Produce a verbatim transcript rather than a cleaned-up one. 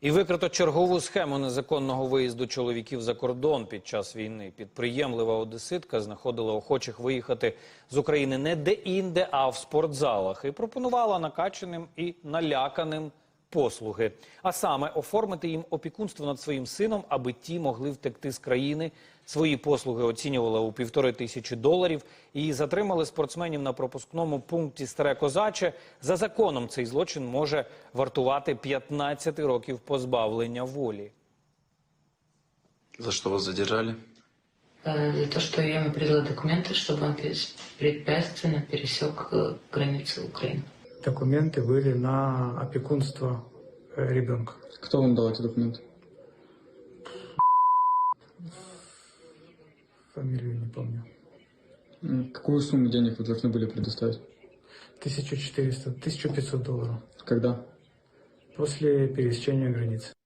І викрито чергову схему незаконного виїзду чоловіків за кордон під час війни. Підприємлива одеситка знаходила охочих виїхати з України не де-інде, а в спортзалах. І пропонувала накачаним і наляканим послуги. А саме оформити їм опікунство над своїм сином, аби ті могли втекти з країни. Свої послуги оцінювала у півтори тисячі доларів. І затримали спортсменів на пропускному пункті Старе Козаче. За законом цей злочин може вартувати п'ятнадцять років позбавлення волі. За что вас задержали? За то, что я ему передала документы, чтобы он беспрепятственно пересек границу Украины. Документы были на опекунство ребенка. Кто вам дал эти документы? Фамилию не помню. Какую сумму денег вы должны были предоставить? тысяча четыреста, тысяча пятьсот долларов. Когда? После пересечения границы.